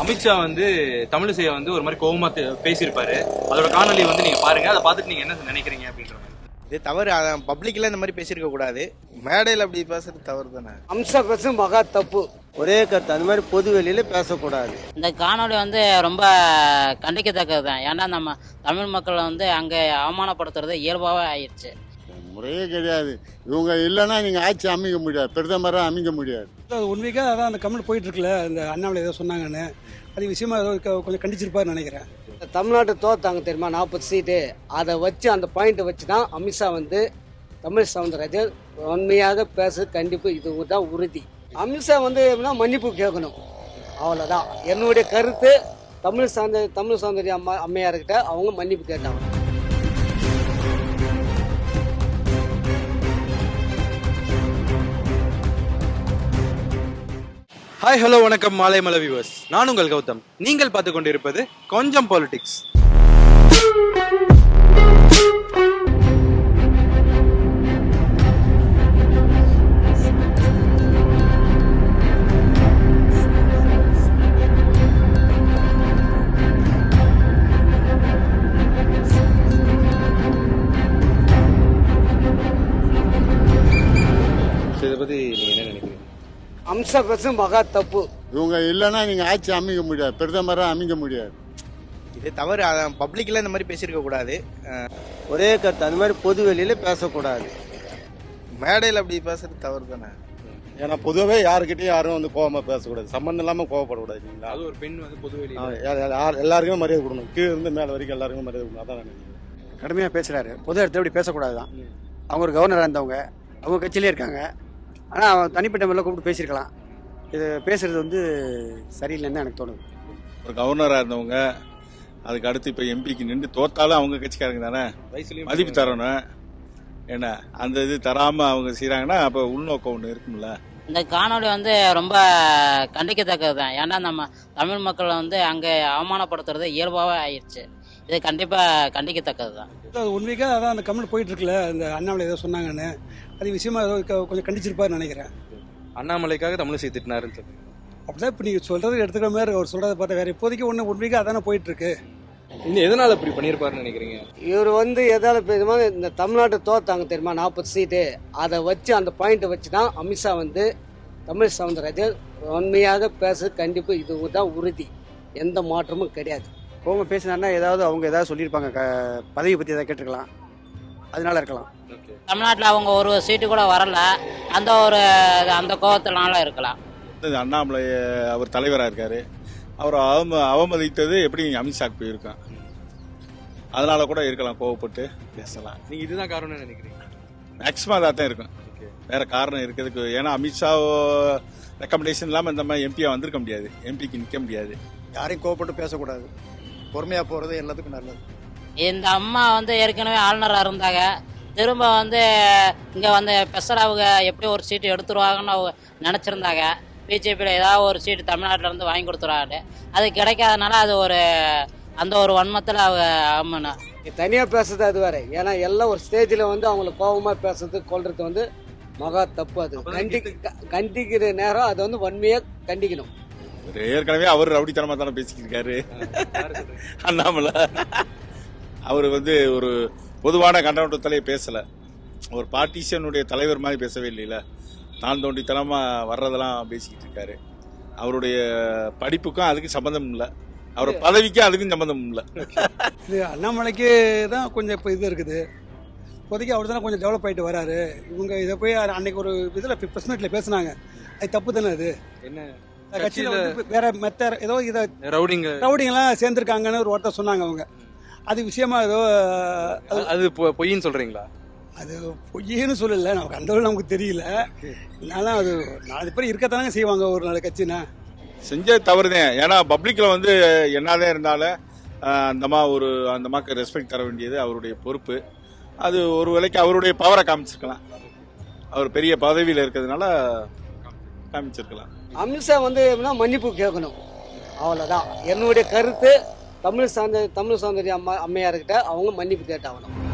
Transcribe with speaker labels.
Speaker 1: அமித்ஷா வந்து தமிழிசையை வந்து ஒரு மாதிரி கோவமா பேசியிருப்பாரு. அதோட காணொலி வந்து நீங்க பாருங்க. அதை பார்த்துட்டு நீங்க என்ன நினைக்கிறீங்க அப்படின்ற மாதிரி.
Speaker 2: இது தவறு. பப்ளிக்ல இந்த மாதிரி பேசியிருக்க கூடாது. மேடையில் அப்படி பேசுறது தவறு தானே.
Speaker 3: அம்சா பேச மகா தப்பு.
Speaker 4: ஒரே கருத்து அந்த மாதிரி பொது வெளியில பேசக்கூடாது.
Speaker 5: இந்த காணொலி வந்து ரொம்ப கண்டிக்கத்தக்கது தான். ஏன்னா நம்ம தமிழ் மக்களை வந்து அங்கே அவமானப்படுத்துறது இயல்பாகவே ஆயிடுச்சு.
Speaker 6: முறையே கிடையாது. இவங்க இல்லைன்னா நீங்கள் ஆட்சி அமைக்க முடியாது, பிரதமராக அமைக்க முடியாது.
Speaker 7: உண்மைக்காக அதான் அந்த கமெண்ட் போயிட்டு இருக்குல்ல, இந்த அண்ணாமலை ஏதோ சொன்னாங்கன்னு, அது விஷயமா ஏதோ கொஞ்சம் கண்டிச்சிருப்பாருன்னு நினைக்கிறேன்.
Speaker 3: தமிழ்நாட்டை தோத்தாங்க தெரியுமா, 40 சீட்டு. அதை வச்சு அந்த பாயிண்ட்டை வச்சு தான் அமித்ஷா வந்து தமிழ் சவுந்தரராஜன் உண்மையாக பேச கண்டிப்பு இதுதான் உறுதி. அமித்ஷா வந்து மன்னிப்பு கேட்கணும், அவ்வளோதான் என்னுடைய கருத்து. தமிழ் சௌந்தரிய அம்மையார்கிட்ட அவங்க மன்னிப்பு கேட்டாங்க.
Speaker 1: ஹாய் ஹலோ வணக்கம் மாலை மலை வியூவர்ஸ், நான் உங்கள் கௌதம். நீங்கள் பார்த்து கொண்டிருப்பது கொஞ்சம் பாலிடிக்ஸ். இதை பத்தி நீங்க என்ன நினைக்கிறீங்க?
Speaker 3: அம்சா பேச மகா தப்பு.
Speaker 6: இவங்க இல்லைன்னா நீங்கள் ஆட்சி அமைக்க முடியாது, பிரதமராக அமைக்க முடியாது.
Speaker 2: இது தவறு. பப்ளிக்ல இந்த மாதிரி பேசியிருக்க கூடாது.
Speaker 4: ஒரே கருத்து அந்த மாதிரி பொது வெளியில பேசக்கூடாது.
Speaker 2: மேடையில் அப்படி பேசுறது தவறு தானே.
Speaker 6: ஏன்னா பொதுவாகவே யாருக்கிட்டையும் யாரும் வந்து கோவமாக பேசக்கூடாது, சம்மந்தம் இல்லாமல் கோவப்படக்கூடாது. இல்லைங்களா?
Speaker 1: அது ஒரு பெண் வந்து பொது வெளியில
Speaker 6: எல்லாருக்குமே மரியாதை கொடுக்கணும், கீழே இருந்து மேலே வரைக்கும் எல்லாருக்குமே மரியாதை கொடுக்கணும். அதான் நான் நினைக்கிறேன்.
Speaker 8: கடுமையாக பேசுகிறாரு. பொது இடத்துல இப்படி பேசக்கூடாது தான். அவங்க ஒரு கவர்னராக இருந்தவங்க, அவங்க கட்சியிலே இருக்காங்க. ஆனால் அவன் தனிப்பட்ட முறையில் கூப்பிட்டு பேசியிருக்கலாம். இது பேசுறது வந்து சரியில்லைன்னு எனக்கு தோணுது.
Speaker 9: ஒரு கவர்னராக இருந்தவங்க, அதுக்கு அடுத்து இப்போ எம்பிக்கு நின்று தோத்தாலும் அவங்க கட்சிக்காரங்க தானே, மதிப்பு தரணும். ஏன்னா அந்த இது தராமல் அவங்க செய்கிறாங்கன்னா அப்போ உள்நோக்கம் ஒன்று இருக்கும்ல.
Speaker 5: இந்த காணொலி வந்து ரொம்ப கண்டிக்கத்தக்கது தான். ஏன்னா நம்ம தமிழ் மக்களை வந்து அங்கே அவமானப்படுத்துறது இயல்பாகவே ஆயிடுச்சு. இது கண்டிப்பாக கண்டிக்கத்தக்கது தான்.
Speaker 7: உண்மைக்காக அதான் அந்த கமெண்ட் போயிட்டு இருக்குல்ல, இந்த அண்ணாமலை ஏதோ சொன்னாங்கன்னு, அது விஷயமா ஏதோ கொஞ்சம் கண்டிச்சிருப்பாருன்னு நினைக்கிறேன்.
Speaker 1: அண்ணாமலைக்காக தமிழிசை திட்டினாருன்னு சொல்லுங்க.
Speaker 7: அப்படிதான் இப்போ நீங்கள் சொல்றது எடுத்துக்கிற மாதிரி அவர் சொல்றதை பார்த்தா வேற இப்போதைக்கு ஒன்று உண்மைக்காக அதானே போயிட்டு இருக்கு.
Speaker 1: இன்னும் எதனால இப்படி பண்ணியிருப்பாருன்னு நினைக்கிறீங்க?
Speaker 3: இவர் வந்து எதால பேசுமா, இந்த தமிழ்நாட்டை தோத்தாங்க தெரியுமா, 40 சீட்டு. அதை வச்சு அந்த பாயிண்ட்டை வச்சு தான் அமித்ஷா வந்து தமிழ் சவுந்தரராஜன் உண்மையாக பேச கண்டிப்பு இதுதான் உறுதி, எந்த மாற்றமும் கிடையாது.
Speaker 8: கோவமா பேசினாருன்னா ஏதாவது அவங்க ஏதாவது சொல்லியிருப்பாங்க, பதவி பற்றி ஏதாவது கேட்டிருக்கலாம், அதனால இருக்கலாம்.
Speaker 5: தமிழ்நாட்டில் அவங்க ஒரு சீட்டு கூட வரல, அந்த கோவத்தினால இருக்கலாம்.
Speaker 9: அண்ணாமலை அவர் தலைவராக இருக்காரு, அவர் அவமதித்தது எப்படி அமித்ஷாக்கு போயிருக்கான், அதனால கூட இருக்கலாம், கோவப்பட்டு பேசலாம்.
Speaker 1: நீங்க இதுதான் காரணம்னு நினைக்கிறீங்க?
Speaker 9: மேக்சிமம் அதாக தான் இருக்கும், வேற காரணம் இருக்கிறதுக்கு. ஏன்னா அமித்ஷா ரெக்கமெண்டேஷன் இல்லாமல் இந்த மாதிரி எம்பியா வந்திருக்க முடியாது, எம்பிக்கு நிற்க முடியாது.
Speaker 8: யாரையும் கோவப்பட்டு பேசக்கூடாது, பொறுமையாக போகிறது எல்லாத்துக்கும் நல்லது.
Speaker 5: இந்த அம்மா வந்து ஏற்கனவே ஆளுநராக இருந்தாங்க, திரும்ப வந்து இங்கே வந்து பெசலாவுங்க எப்படி ஒரு சீட்டு எடுத்துருவாங்கன்னு அவங்க நினச்சிருந்தாங்க. பிஜேபியில் ஏதாவது ஒரு சீட்டு தமிழ்நாட்டில் இருந்து வாங்கி கொடுத்துருவாங்க. அது கிடைக்காதனால அது அந்த ஒரு வன்மத்தில் அவங்க அம்மனா
Speaker 3: தனியாக பேசுறது அது வேற. ஏன்னா எல்லாம் ஒரு ஸ்டேஜில் வந்து அவங்கள கோபமாக பேசுறது கொள்றது வந்து மகா தப்பு. அது கண்டிக்கிற நேரம் அது வந்து வன்மையாக கண்டிக்கணும்.
Speaker 9: ஏற்கனவே அவர் ரவுடித்தனமாக தானே பேசிக்கிட்டு இருக்காரு அண்ணாமலை. அவர் வந்து ஒரு பொதுவான கண்டனத்திலே பேசலை, ஒரு பார்ட்டிஷனுடைய தலைவர் மாதிரி பேசவே இல்லைல்ல. தான் தோண்டித்தனமா வர்றதெல்லாம் பேசிக்கிட்டு இருக்காரு. அவருடைய படிப்புக்கும் அதுக்கு சம்பந்தம் இல்லை, அவர் பதவிக்கும் அதுக்கும் சம்பந்தம் இல்லை.
Speaker 7: இது அண்ணாமலைக்கு தான் கொஞ்சம் இப்போ இது இருக்குது. இப்போதைக்கு அவர் தானே கொஞ்சம் டெவலப் ஆகிட்டு வராரு. இவங்க இதை போய் அன்னைக்கு ஒரு இதில் ப்ரெஸ் மீட்டில் பேசினாங்க, அது தப்பு தானே. அது என்ன கட்சியில் வேற மெத்த ஏதோ இதை ரவுடிங்கெல்லாம் சேர்ந்துருக்காங்கன்னு ஒரு வார்த்தை சொன்னாங்க அவங்க. அது விஷயமா ஏதோ
Speaker 1: அது பொய்ன்னு சொல்றீங்களா?
Speaker 7: அது பொய்யன்னு சொல்லல, நமக்கு அந்த நமக்கு தெரியல. அதனால அது 4 பேர் இருக்கத்தானங்க செய்வாங்க ஒரு நாள் கட்சினா.
Speaker 9: செஞ்ச தவறுதான். ஏன்னா பப்ளிக்ல வந்து என்னதான் இருந்தாலும் அந்த மாக்கு ரெஸ்பெக்ட் தர வேண்டியது அவருடைய பொறுப்பு. அது ஒரு வேளைக்கு அவருடைய பவரை காமிச்சிருக்கலாம், அவர் பெரிய பதவியில் இருக்கிறதுனால காமிச்சிருக்கலாம்.
Speaker 3: அமித்ஷா வந்து மன்னிப்பு கேட்கணும், அவ்வளோதான் என்னுடைய கருத்து. தமிழ் சௌந்தரிய அம்மையார்கிட்ட அவங்க மன்னிப்பு கேட்டாகணும்.